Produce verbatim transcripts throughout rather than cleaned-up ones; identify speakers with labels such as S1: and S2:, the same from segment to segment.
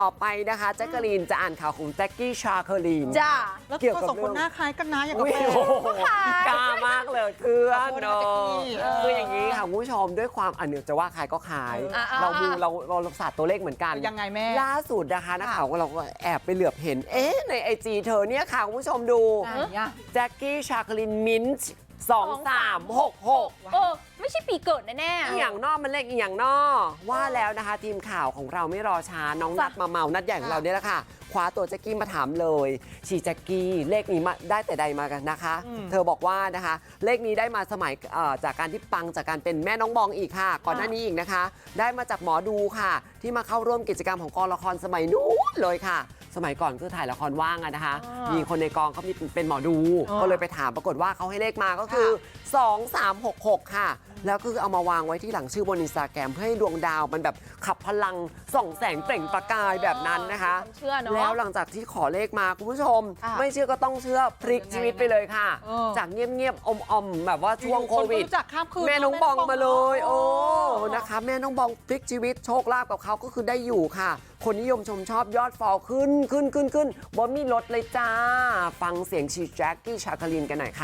S1: ต่อไปนะคะแจ็คเกอรีนจะอ่านข่าวของแจ็คกี้ชาเคอรีน
S2: จ้า
S3: แล้วเกี่ยวกับสองคนหน้าคล้ายกันนะอย่างกับแฟน
S1: กล้ามากเลยเพื่อนเนาะ
S3: เออ
S1: คืออย่างนี้ค่ะคุณผู้ชมด้วยความอันเนี้ยจะว่าใครก็ขาย
S2: เออ
S1: เราดูเราเราศาสตร์ตัวเลขเหมือนกัน
S3: ยังไงแม่
S1: ล่าสุดนะคะนักข่าวของเราก็แอบไปเหลือบเห็นเอ๊ะในไอจีเธอเนี่ยค่ะคุณผู้ชมดู
S3: ไหนอะ
S1: แจ็คกี้ชาเคอรีนมินท์สองสามหกหก
S2: เออไม่ใช่ปีเกิดแน่ๆ
S1: อีหยังนอกมันเลขอีหยังนอว่าแล้วนะคะทีมข่าวของเราไม่รอช้าน้องนัดมาเมานัดใหญ่ของเราเนี่ยแหละค่ะคว้าตัวแจ็คกี้มาถามเลยชีแจ็คกี้เลขนี้มาได้แต่ใดมากันนะคะ เธอบอกว่านะคะเลขนี้ได้มาสมัยจากการที่ปังจากการเป็นแม่น้องบองอีกค่ะ ก่อนหน้านี้อีกนะคะ ได้มาจากหมอดูค่ะ ที่มาเข้าร่วมกิจกรรมของกองละครสมัยนู้นเลยค่ะ สมัยก่อนคือถ่ายละครว่างอะนะคะ มีคนในกองเขามีเป็นหมอดู ก็เลยไปถามปรากฏว่าเขาให้เลขมาก็คือสองสามหกหกค่ะแล้วก็คือเอามาวางไว้ที่หลังชื่อบนอินสตาแกรมเพื่อให้ดวงดาวมันแบบขับพลังส่องแสงเปล่งประกายแบบนั้นนะคะ
S2: เชื่อเนาะ
S1: แล้วหลังจากที่ขอเลขมาคุณผู้ชม
S3: อ่ะ
S1: ไม่เชื่อก็ต้องเชื่อพลิกชีวิตไปเลยค่ะ
S3: เออ
S1: จากเงียบๆอมๆแบบว่าช่วงโควิด
S3: นก็รู้จักข้ามคืน
S1: แม่น้องบองมาเลย โอ้
S3: โอ้
S1: นะคะแม่น้องบองพลิกชีวิตโชคลาภกับเขาก็คือได้อยู่ค่ะ คนนิยมชมชอบยอดฟอลขึ้นขึ้นขึ้นขึ้นบอมีลดเลยจ้า ฟังเสียงชีแจ็คกี้ชาคาลินกันหน่อยค่ะ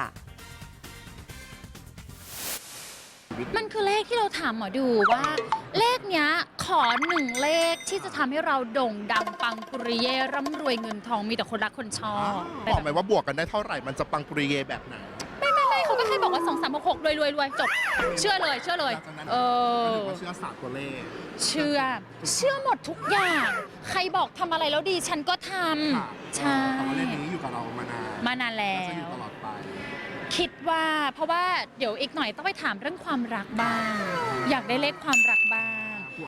S4: มันคือเลขที่เราถามหมอดูว่า เลขเนี้ยขอหนึ่งเลขที่จะทำให้เราโด่งดังปังปุริเย่ร่ำรวยเงินทองมีแต่คนรักคนชอบ
S5: บอกไหมว่าบวกกันได้เท่าไหร่มันจะปังปุริเยแบบไหน
S4: ไม่ไม่ไม่เขาก็แค่บอกว่าสองสามหกหกรวยรวยรวยจบ เชื่อเลยเชื่อเลย
S5: หลังจากนั้น
S4: เออ
S5: ก็ถือว่าเชื่อศาสตร์ตัวเลข
S4: เชื่อ เชื่อหมดทุกอย่าง ใครบอกทำอะไรแล้วดีฉันก็ท
S5: ค่ะ
S4: ำใช่
S5: แต่ว่าเลขนี้อยู่กับเรามานาน
S4: มานานแล้
S5: จะอยู่
S4: ว
S5: ตลอดไป
S4: คิดว่าเพราะว่าเดี๋ยวอีกหน่อยต้องไปถามเรื่องความรักบ้าง อยากได้เลขความรักบ้าง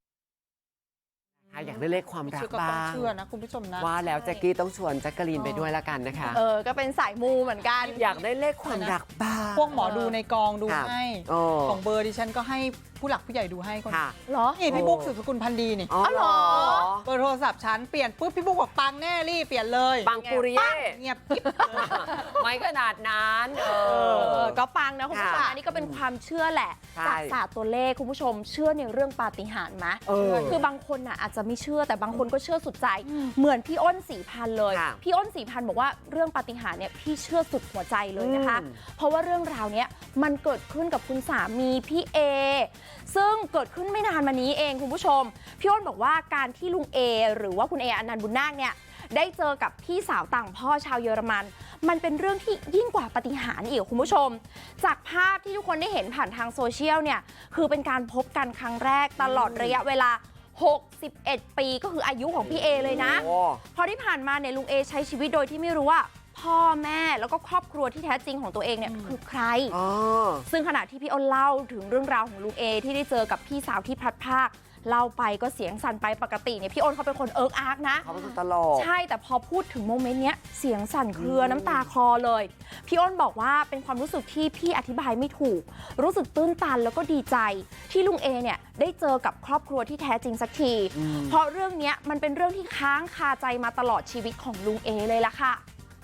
S1: อยากได้เลขความรัก
S3: เชื่อก็ต้อ
S1: บ้าง ง
S3: เชื่อนะคุณผู้ชมนะ
S1: ว่าแล้วแจ็คกี้ต้องชวนแจ็คกะลีนไปด้วยละกันนะคะ
S2: เออก็เป็นสายมูเหมือนกัน
S1: อยากได้เลขความรักบ้าง
S3: พวกหมอดูในกองดู
S1: ครับ
S3: ให้
S1: โอ้
S3: ของเบอร์ดิฉันก็ให้ผู้หลักผู้ใหญ่ดูให้คน
S1: ค่ะ
S2: เหรอ
S3: นี่พี่บุ๊กสืบสกุลพันธ์ดีนี่
S1: อ๋อเหรอ
S3: เบอร์โทรศัพท์ฉันเปลี่ยนปุ๊บพี่บุ๊กบอกปังแน่รีบเปลี่ยนเลย
S1: ปังปุริเย่
S3: เงียบกิ๊บเลย
S1: ไม่ขนาดนั้นเอ
S2: เอ
S1: อ
S2: อก็ปังนะคุณผู้ชม
S1: ค่ะ
S2: อันนี้ก็เป็นความเชื่อแหละ
S1: ใช่
S2: จากศาสตร์ตัวเลขคุณผู้ชมเชื่อในเรื่องปาฏิหาริย์ไหม
S1: เออ
S2: คือบางคนน่ะอาจจะไม่เชื่อแต่บางคนก็เชื่อสุดใจ เหมือนพี่อ้นสีพันธุ์เลย
S1: ค่ะ
S2: พี่อ้นสีพันธุ์บอกว่าเรื่องปาฏิหาริย์เนี่ยพี่เชื่อสุดหัวใจเลยนะคะ
S1: อืม
S2: เพราะว่าเรื่องราวเนี้ยมันเกิดขึ้นกับคุณสามีพี่เอซึ่งเกิดขึ้นไม่นานมานี้เองคุณผู้ชมพี่อ้นบอกว่าการที่ลุงเอหรือว่าคุณเออนันต์บุญนาคเนี่ยได้เจอกับพี่สาวต่างพ่อชาวเยอรมัน มันเป็นเรื่องที่ยิ่งกว่าปาฏิหาริย์อีกคุณผู้ชม จากภาพที่ทุกคนได้เห็นผ่านทางโซเชียลเนี่ยคือเป็นการพบกันครั้งแรกตลอดระยะเวลาหกสิบเอ็ดปีก็คืออายุของพี่เอเลยนะ
S1: โอ้
S2: พอที่ผ่านมาเนี่ยลุงเอใช้ชีวิตโดยที่ไม่รู้ว่าพ่อแม่แล้วก็ครอบครัวที่แท้จริงของตัวเองเนี่ยคือใคร
S1: อ๋อ
S2: ซึ่งขณะที่พี่อ้นเล่าถึงเรื่องราวของลุงเอที่ได้เจอกับพี่สาวที่พลัดพรากเล่าไปก็เสียงสั่นไปปกติเนี่ยพี่อ้นเขาเป็นคนเอิร์กอาร์กนะ
S1: เขาเป็นคนตลก
S2: ใช่แต่พอพูดถึงโมเมนต์เนี้ยเสียงสั่นเครือน้ำตาคลอเลย พี่อ้นบอกว่าเป็นความรู้สึกที่พี่อธิบายไม่ถูก รู้สึกตื้นตันแล้วก็ดีใจ ที่ลุงเอเนี่ยได้เจอกับครอบครัวที่แท้จริงสักที เพราะเรื่องเนี้ยมันเป็นเรื่องที่ค้างคาใจมาตลอดชีวิตของลุงเอเลยล่ะค่ะ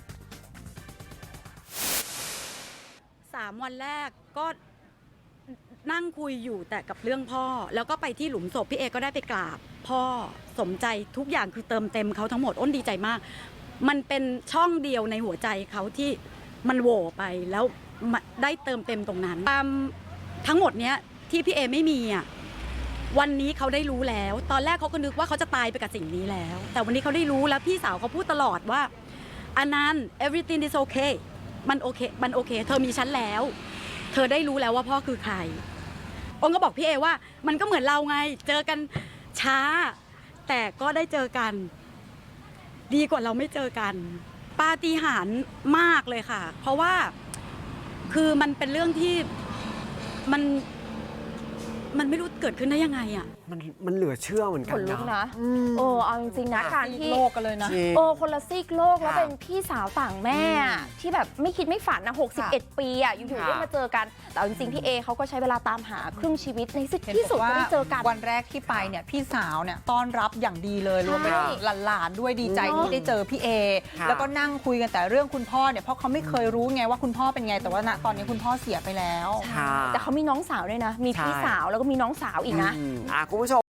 S6: สามวันแรกก็นั่งคุยอยู่แต่กับเรื่องพ่อ แล้วก็ไปที่หลุมศพพี่เอก็ได้ไปกราบ พ่อสมใจทุกอย่างคือเติมเต็มเขาทั้งหมดอ้นดีใจมาก มันเป็นช่องเดียวในหัวใจเขาที่มันโหว่ไปแล้วได้เติมเต็มตรงนั้นตามทั้งหมดเนี้ยที่พี่เอไม่มีอ่ะวันนี้เขาได้รู้แล้ว ตอนแรกเขาก็นึกว่าเขาจะตายไปกับสิ่งนี้แล้ว แต่วันนี้เขาได้รู้แล้วพี่สาวเขาพูดตลอดว่าอนันต์ everything is okay มันโอเค มันโอเค เธอมีฉันแล้ว เธอได้รู้แล้วว่าพ่อคือใครองค์ก็บอกพี่เอว่ามันก็เหมือนเราไง เจอกันช้า แต่ก็ได้เจอกัน ดีกว่าเราไม่เจอกัน ปาฏิหาริย์มากเลยค่ะ เพราะว่าคือมันเป็นเรื่องที่มันมันไม่รู้เกิดขึ้นได้ยังไงอ่ะ
S1: มันมันเหลือเชื่อเหมือนกั
S2: ข
S1: น
S2: นลุก
S1: นะ
S2: นะเออเอาจริงๆนะการที่
S3: โลกกันเลยนะ
S1: จริง
S2: เออคนละซีกโลกแล้ว
S1: ค่ะ
S2: เป็นพี่สาวต่างแม่อะ
S1: อืม
S2: ที่แบบไม่คิดไม่ฝันนะหกสิบเอ็ดปีอ่ะอยู่ๆ
S1: ค่ะ
S2: ได้มาเจอกันแต่เอาจริงๆพี่เอเขาก็ใช้เวลาตามหาครึ่งชีวิตในที่
S3: เห็น
S2: ที่สุด
S3: บอก
S2: ก็
S3: ว่า
S2: ได้เจอกัน
S3: วันแรกที่ไปเนี่ยพี่สาวเนี่ยต้อนรับอย่างดีเลยรวมไปถึงหลานๆด้วยดีใจที่ได้เจอพี่เอ
S1: ค่ะ
S3: แล้วก็นั่งคุยกันแต่เรื่องคุณพ่อเนี่ยเพราะเขาไม่เคยรู้ไงว่าคุณพ่อเป็นไงแต่ว่าณตอนนี้คุณพ่อเสียไปแล้ว
S1: ค่ะ
S2: แต่เขามีน้องสาวด้วยนะ มีพี่
S1: ใช่
S2: สาวแล้วก็มีน้องสาวอีกนะ
S1: อืมอ่ะคุณผู้ชม